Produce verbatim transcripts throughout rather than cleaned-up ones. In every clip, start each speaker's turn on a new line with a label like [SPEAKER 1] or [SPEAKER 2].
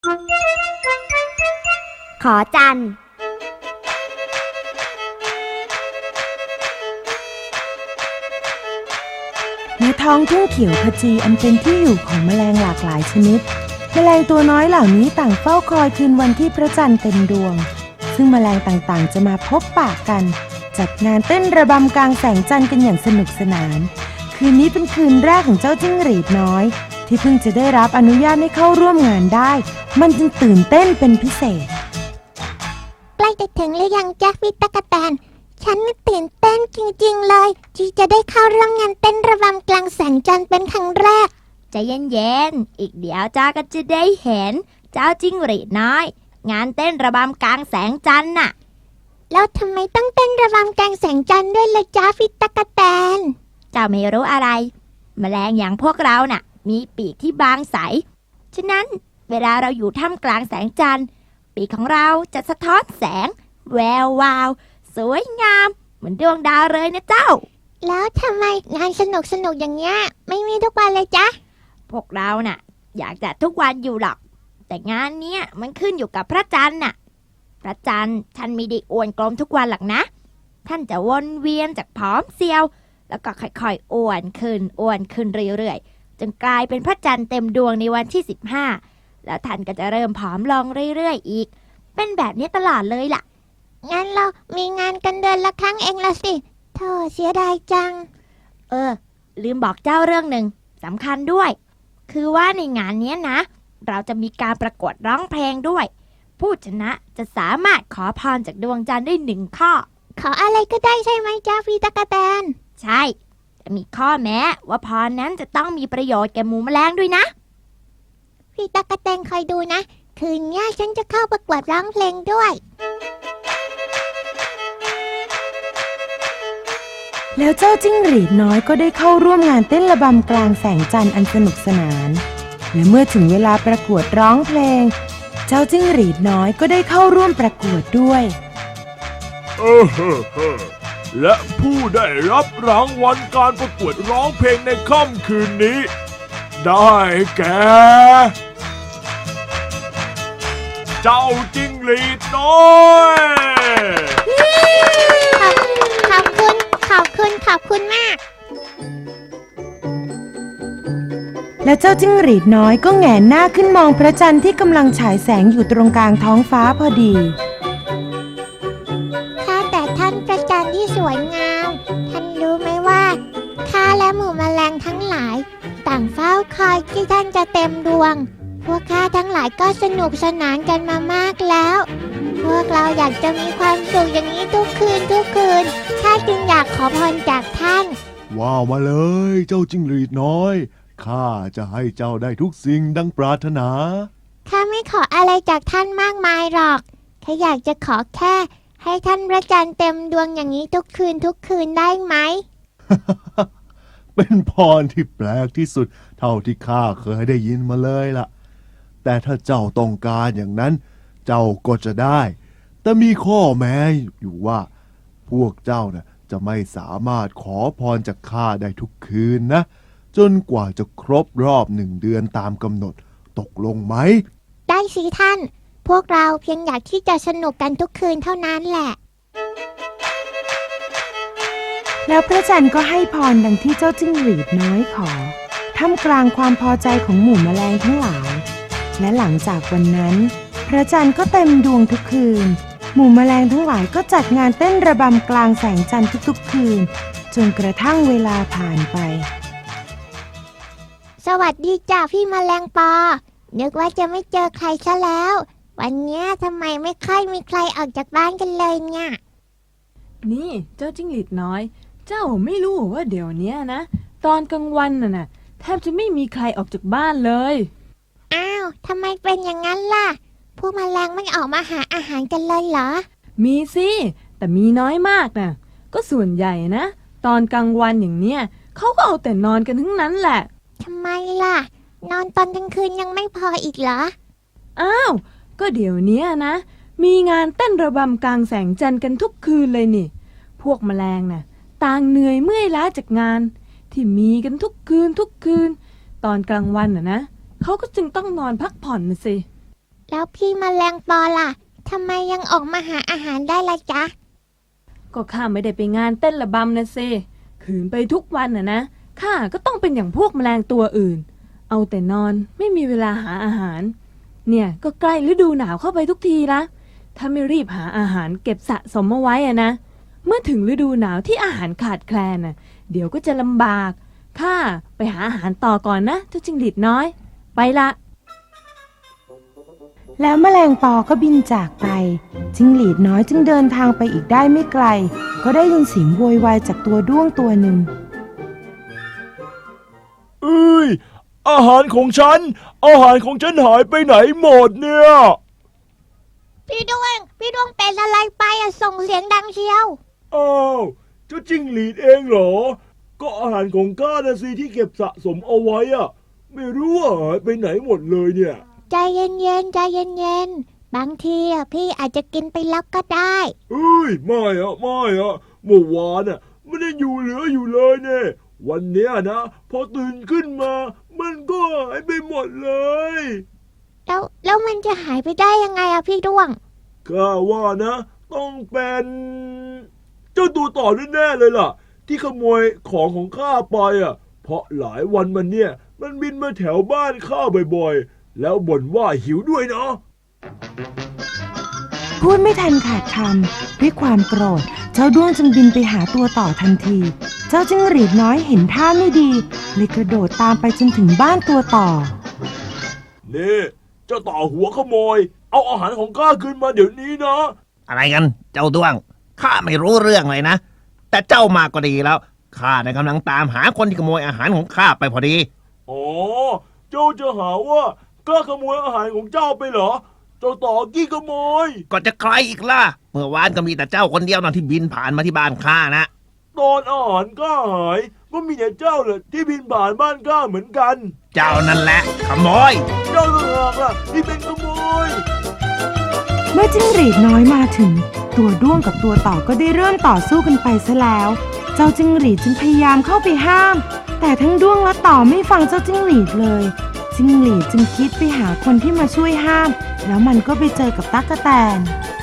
[SPEAKER 1] ขอจัน
[SPEAKER 2] ณท้องทุ่งเขียวขจีอันเป็นที่อยู่ของแมลงหลากหลายชนิดแมลงตัวน้อยเหล่านี้ต่างเฝ้าคอยคืนวันที่พระจันทร์เต็มดวงซึ่งแมลงต่างๆจะมาพบปะกันจัดงานเต้นระบำกลางแสงจันทร์กันอย่างสนุกสนานคืนนี้เป็นคืนแรกของเจ้าจิ้งหรีดน้อยที่เพิ่งจะได้รับอนุญาตให้เข้าร่วมงานได้มันจึงตื่นเต้นเป็นพิเศษ
[SPEAKER 3] ใกล้จะถึงหรือยังจ๊ะพี่ตั๊กแตนฉันตื่นเต้นจริงๆเลยที่จะได้เข้าร่วมงานเต้นระบำกลางแสงจันทร์เป็นครั้งแรก
[SPEAKER 1] ใจเย็นๆอีกเดี๋ยวจ้าก็จะได้เห็นเจ้าจิ้งหรีดน้อยงานเต้นระบำกลางแสงจันทร์น่ะ
[SPEAKER 3] แล้วทำไมต้องเต้นระบำกลางแสงจันทร์ด้วยล่ะจ๊ะพี่ตั๊กแตน
[SPEAKER 1] เจ้าไม่รู้อะไรแมลงอย่างพวกเราน่ะมีปีกที่บางใสฉะนั้นเวลาเราอยู่ท่ามกลางแสงจันทร์ปีกของเราจะสะท้อนแสงแวววาวสวยงามเหมือนดวงดาวเลยนะเจ้า
[SPEAKER 3] แล้วทำไมงานสนุกสนุกอย่างเงี้ยไม่มีทุกวันเลยจ๊ะ
[SPEAKER 1] พวกเราน่ะอยากจัดทุกวันอยู่หรอกแต่งานเนี้ยมันขึ้นอยู่กับพระจันทร์น่ะพระจันทร์ท่านไม่ได้อ้วนกลมทุกวันหรอกนะท่านจะวนเวียนจากผอมเซียวแล้วก็ค่อยๆอ้วนขึ้นอ้วนขึ้นเรื่อยๆจนกลายเป็นพระจันทร์เต็มดวงในวันที่สิบห้าแล้วท่านก็จะเริ่มผอมลงเรื่อยๆอีกเป็นแบบนี้ตลอดเลยล่ะ
[SPEAKER 3] งั้นเรามีงานกันเดือนละครั้งเองละสิโธ่เสียดายจัง
[SPEAKER 1] เออลืมบอกเจ้าเรื่องหนึ่งสำคัญด้วยคือว่าในงานนี้นะเราจะมีการประกวดร้องเพลงด้วยผู้ชนะจะสามารถขอพรจากดวงจันทร์ได้หนึ่งข้อ
[SPEAKER 3] ขออะไรก็ได้ใช่ไหมจ๊ะพี่ตั๊กแตน
[SPEAKER 1] ใช่จะมีข้อแม้ว่าพรนั้นจะต้องมีประโยชน์แก่หมูแมลงด้วยนะ
[SPEAKER 3] พี่ตั๊กแตนคอยดูนะคืนนี้ฉันจะเข้าประกวดร้องเพลงด้วย
[SPEAKER 2] แล้วเจ้าจิ้งหรีดน้อยก็ได้เข้าร่วมงานเต้นระบำกลางแสงจันทร์อันสนุกสนานและเมื่อถึงเวลาประกวดร้องเพลงเจ้าจิ้งหรีดน้อยก็ได้เข้าร่วมประกวดด้วย
[SPEAKER 4] เออเฮ้อเฮ้อและผู้ได้รับรางวัลการประกวดร้องเพลงในค่ำคืนนี้ได้แก่เจ้าจิ้งหรีดน้อย
[SPEAKER 3] ขอบคุณขอบคุณขอบคุณมาก
[SPEAKER 2] แล้วเจ้าจิ้งหรีดน้อยก็แหงนหน้าขึ้นมองพระจันทร์ที่กำลังฉายแสงอยู่ตรงกลางท้องฟ้าพอดี
[SPEAKER 3] ข้าแต่ท่านพระจันทร์ที่สวยงามท่านรู้ไหมว่าข้าและหมู่แมลงทั้งหลายต่างเฝ้าคอยที่ท่านจะเต็มดวงพวกข้าทั้งหลายก็สนุกสนานกันมามากแล้วพวกเราอยากจะมีความสุขอย่างนี้ทุกคืนทุกคืนข้าจึงอยากขอพรจากท่าน
[SPEAKER 4] ว้าวมาเลยเจ้าจิ้งหรีดน้อยข้าจะให้เจ้าได้ทุกสิ่งดังปรารถนา
[SPEAKER 3] ข้าไม่ขออะไรจากท่านมากมายหรอกแค่อยากจะขอแค่ให้ท่านพระจันทร์เต็มดวงอย่างนี้ทุกคืนทุกคืนได้ไหม
[SPEAKER 4] เป็นพรที่แปลกที่สุดเท่าที่ข้าเคยได้ยินมาเลยล่ะแต่ถ้าเจ้าต้องการอย่างนั้นเจ้าก็จะได้แต่มีข้อแม้อยู่ว่าพวกเจ้าน่ะจะไม่สามารถขอพรจากข้าได้ทุกคืนนะจนกว่าจะครบรอบหนึ่งเดือนตามกำหนดตกลงไหม
[SPEAKER 3] ได้สิท่านพวกเราเพียงอยากที่จะสนุกกันทุกคืนเท่านั้นแหละ
[SPEAKER 2] แล้วพระจันทร์ก็ให้พรดังที่เจ้าจิ้งหรีดน้อยขอท่ามกลางความพอใจของหมู่แมลงทั้งหลายและหลังจากวันนั้นพระจันทร์ก็เต็มดวงทุกคืนหมู่แมลงทั้งหลายก็จัดงานเต้นระบำกลางแสงจันทร์ทุกๆคืนจนกระทั่งเวลาผ่านไป
[SPEAKER 3] สวัสดีจ้าพี่แมลงปอนึกว่าจะไม่เจอใครซะแล้ววันนี้ทำไมไม่ค่อยมีใครออกจากบ้านกันเลยเนี่ย
[SPEAKER 5] นี่เจ้าจิ้งหรีดน้อยเจ้าไม่รู้ว่าเดี๋ยวนี้นะตอนกลางวันน่ะนะแทบจะไม่มีใครออกจากบ้านเลย
[SPEAKER 3] อ้าวทำไมเป็นอย่างนั้นล่ะพวกแมลงไม่ออกมาหาอาหารกันเลยเหรอ
[SPEAKER 5] มีสิแต่มีน้อยมากนะก็ส่วนใหญ่นะตอนกลางวันอย่างเนี้ยเขาก็เอาแต่นอนกันทั้งนั้นแหละ
[SPEAKER 3] ทำไมล่ะนอนตอนกลางคืนยังไม่พออีกเหรอ
[SPEAKER 5] อ้าวก็เดี๋ยวนี้นะมีงานเต้นระบำกลางแสงจันทร์กันทุกคืนเลยนี่พวกแมลงน่ะต่างเหนื่อยเมื่อยล้าจากงานที่มีกันทุกคืนทุกคืนตอนกลางวันน่ะนะเขาก็จึงต้องนอนพักผ่อนนะสิ
[SPEAKER 3] แล้วพี่แมลงปอล่ะทำไมยังออกมาหาอาหารได้ล่ะจ๊ะ
[SPEAKER 5] ก็ข้าไม่ได้ไปงานเต้นระบำนะเซขืนไปทุกวันน่ะนะข้าก็ต้องเป็นอย่างพวกแมลงตัวอื่น เอาแต่นอนไม่มีเวลาหาอาหาร เนี่ยก็ใกล้ฤดูหนาวเข้าไปทุกทีละถ้าไม่รีบหาอาหารเก็บสะสมเอาไว้อะนะเมื่อถึงฤดูหนาวที่อาหารขาดแคลนน่ะเดี๋ยวก็จะลำบากข้าไปหาอาหารต่อก่อนนะเจ้าจิงหรีดน้อยไปละ
[SPEAKER 2] แล้วแมลงปอก็บินจากไปจิ้งหรีดน้อยจึงเดินทางไปอีกได้ไม่ไกลก็ได้ยินเสียงโวยวายจากตัวด้วงตัวหนึ่ง
[SPEAKER 6] เอ้ยอาหารของฉันอาหารของฉันหายไปไหนหมดเนี่ย
[SPEAKER 3] พี่ดวงพี่ดวงเป็นอะไรไปอะส่งเสียงดังเชียว
[SPEAKER 6] อ้าวเจ้าจิ้งหรีดเองเหรอก็อาหารของข้านะสิที่เก็บสะสมเอาไว้อะไม่รู้ว่าหายไปไหนหมดเลยเนี่ย
[SPEAKER 3] ใจเย็นๆใจเย็นๆบางทีอะพี่อาจจะกินไปแล้วก็ได้
[SPEAKER 6] เอ้ยไม่อะไม่อะเมื่อวานอะไม่ได้อยู่เหลืออยู่เลยเนี่ยวันเนี้ยนะพอตื่นขึ้นมา มันก็หายไปหมดเลย
[SPEAKER 3] แล้วแล้วมันจะหายไปได้ยังไงอะพี่ดวง
[SPEAKER 6] ข้าว่านะ ต้องเป็นเจ้าตัวต่อแน่ๆเลยล่ะ ที่ขโมยของของข้าไปอ่ะ เพราะหลายวันมันเนี่ย มันบินมาแถวบ้านข้าบ่อยๆแล้วบ่นว่าหิวด้วยเนาะ
[SPEAKER 2] พูดไม่ทันขาดคำด้วยความโกรธเจ้าด้วงจึงบินไปหาตัวต่อทันที เจ้าจิ้งหรีดน้อยเห็นท่าไม่ดีเลยกระโดดตามไปจนถึงบ้านตัวต่อ
[SPEAKER 6] นี่เจ้าต่อหัวขโมย เอาอาหารของข้าคืนมาเดี๋ยวนี้นะ
[SPEAKER 7] อะไรกันเจ้าด้วงข้าไม่รู้เรื่องเลยนะแต่เจ้ามาก็ดีแล้วข้าเนี่ยกำลังตามหาคนที่ขโมยอาหารของข้าไปพอดี
[SPEAKER 6] อ๋อเจ้าจะหาว่าข้าขโมยอาหารของเจ้าไปเหรอเจ้าต่อกี้ขโมย
[SPEAKER 7] ก็จะใครอีกล่ะเมื่อวานก็มีแต่เจ้าคนเดียวนะที่บินผ่านมาที่บ้านข้านะ
[SPEAKER 6] ตอนอาหารข้าหายก็มีแต่เจ้าแหละที่บินผ่านบ้านข้าเหมือนกัน
[SPEAKER 7] เจ้านั่นแหละขโมย
[SPEAKER 6] เจ้าต่างหากล่ะที่เป็นขโมย
[SPEAKER 2] เมื่อจิ้งหรีดน้อยมาถึงตัวด้วงกับตัวต่อก็ได้เริ่มต่อสู้กันไปซะแล้ว เจ้าจิ้งหรีดจึงพยายามเข้าไปห้าม แต่ทั้งด้วงและต่อไม่ฟังเจ้าจิ้งหรีดเลยจิ้งหรีดจึงคิดไปหาคนที่มาช่วยห้ามแล้วมันก็ไปเจอกับตั๊กแตน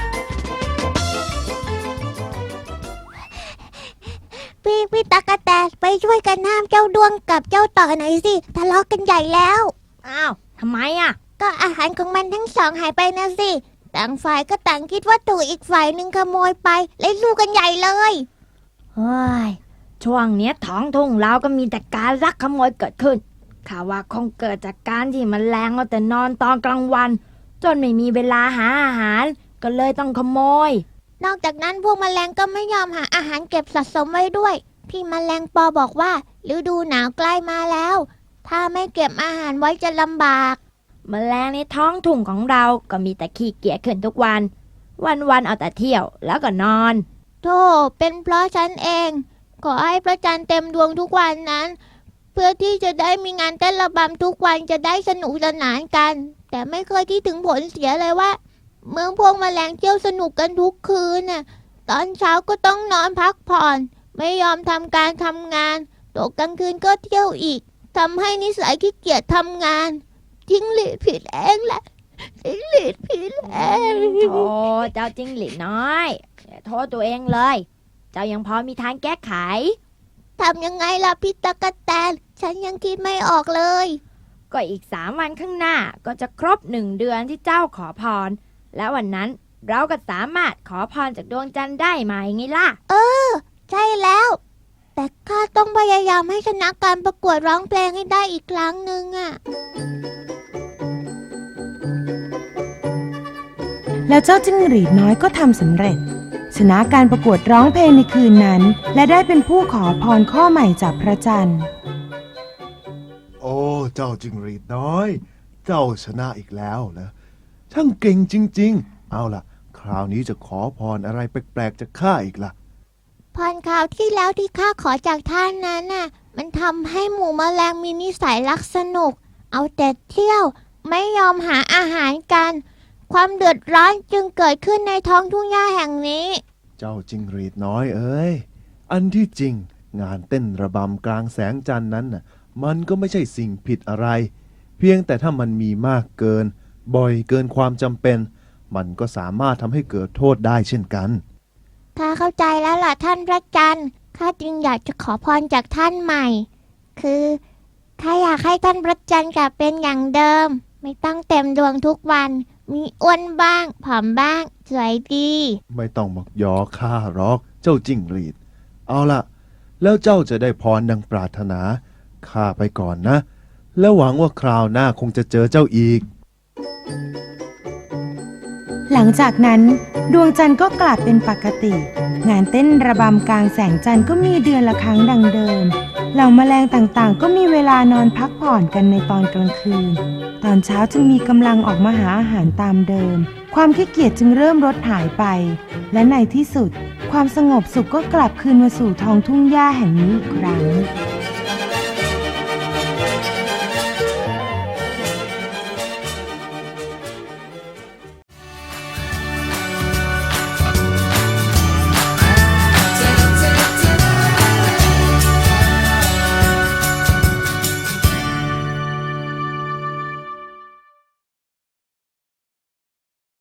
[SPEAKER 3] พี่พี่ตะกะแตนไปช่วยกันห้ามเจ้าดวงกับเจ้าต่อหน่อยสิทะเลาะกันใหญ่แล้ว
[SPEAKER 1] อ้าวทำไมอ่ะ
[SPEAKER 3] ก็อาหารของมันทั้งสองหายไปนะสิต่างฝ่ายก็ต่างคิดว่าถูกอีกฝ่ายหนึ่งขโมยไปเลยสู้กันใหญ่เลย
[SPEAKER 1] เฮ้ย ช่วงเนี้ยท้องทุ่งเราก็มีแต่การลักขโมยเกิดขึ้นข่าวว่าคงเกิดจากการที่มันแรงเอาแต่นอนตอนกลางวัน จนไม่มีเวลาหาอาหาร ก็เลยต้องขโมย
[SPEAKER 3] นอกจากนั้นพวกแมลงก็ไม่ยอมหาอาหารเก็บสะสมไว้ด้วยพี่แมลงปอบอกว่าฤดูหนาวใกล้มาแล้ว ถ้าไม่เก็บอาหารไว้จะลำบาก
[SPEAKER 1] แมลงในท้องทุ่งของเราก็มีแต่ขี้เกียจขึ้นทุกวัน วันๆเอาแต่เที่ยวแล้วก็นอน
[SPEAKER 3] โธ่เป็นเพราะฉันเอง ขอให้พระจันทร์เต็มดวงทุกวันนั้น เพื่อที่จะได้มีงานเต้นระบำทุกวันจะได้สนุกสนานกัน แต่ไม่เคยคิดถึงผลเสียเลยว่า เมื่อพวกแมลงเที่ยวสนุกกันทุกคืนน่ะตอนเช้าก็ต้องนอนพักผ่อน ไม่ยอมทำการทำงานตกกลางคืนก็เที่ยวอีกทำให้นิสัยขี้เกียจทำงานจิ้งหรีดผิดเองแหละจิ้งหรีดผิดเอง
[SPEAKER 1] โธ่เจ้าจิ้งหรีดน้อยอย่าโทษตัวเองเลย เจ้ายังพอมีทางแก้ไข
[SPEAKER 3] ทำยังไงล่ะพี่ตะกะแตนฉันยังคิดไม่ออกเลย
[SPEAKER 1] ก็อีกสามวันข้างหน้าก็จะครบหนึ่งเดือนที่เจ้าขอพร และวันนั้นเราก็สามารถขอพรจากดวงจันทร์ได้ไหมไงล่ะ
[SPEAKER 3] ใช่แล้ว แต่ข้าต้องพยายามให้ชนะการประกวดร้องเพลงให้ได้อีกครั้งหนึ่งอะ
[SPEAKER 2] แล้วเจ้าจิ้งหรีดน้อยก็ทำสำเร็จ ชนะการประกวดร้องเพลงในคืนนั้น และได้เป็นผู้ขอพรข้อใหม่จากพระจันทร์
[SPEAKER 4] โอ้เจ้าจิงหรีดน้อย เจ้าชนะอีกแล้วนะช่างเก่งจริงๆ เอาล่ะ คราวนี้จะขอพรอะไรแปลกๆจากข้าอีกล่ะ
[SPEAKER 3] พรคราวที่แล้วที่ข้าขอจากท่านนั้นน่ะมันทำให้หมู่แมลงมีนิสัยรักสนุก เอาแต่เที่ยวไม่ยอมหาอาหารกัน ความเดือดร้อนจึงเกิดขึ้นในท้องทุ่งหญ้าแห่งนี้
[SPEAKER 4] เจ้าจิงหรีดน้อยเอ้ย อันที่จริงงานเต้นระบำกลางแสงจันทร์นั้นน่ะ มันก็ไม่ใช่สิ่งผิดอะไร เพียงแต่ถ้ามันมีมากเกินบ่อยเกินความจำเป็น มันก็สามารถทำให้เกิดโทษได้เช่นกัน
[SPEAKER 3] ข้าเข้าใจแล้วล่ะท่านพระจันทร์ข้าจึงอยากจะขอพรจากท่านใหม่ คือข้าอยากให้ท่านพระจันทร์กลับเป็นอย่างเดิม ไม่ต้องเต็มดวงทุกวัน มีอ้วนบ้าง ผอมบ้าง สวยดี
[SPEAKER 4] ไม่ต้องมักยอข้าหรอกเจ้าจิ้งหรีด เอาล่ะ แล้วเจ้าจะได้พรดังปรารถนาข้าไปก่อนนะ แล้วหวังว่าคราวหน้าคงจะเจอเจ้าอีก
[SPEAKER 2] หลังจากนั้นดวงจันทร์ก็กลับเป็นปกติ งานเต้นระบำกลางแสงจันทร์ก็มีเดือนละครั้งดังเดิม เหล่าแมลงต่างๆ ก็มีเวลานอนพักผ่อนกันในตอนกลางคืน ตอนเช้าจึงมีกำลังออกมาหาอาหารตามเดิม ความขี้เกียจจึงเริ่มลดหายไป และในที่สุด ความสงบสุขก็กลับคืนมาสู่ท้องทุ่งหญ้าแห่งนี้อีกครั้ง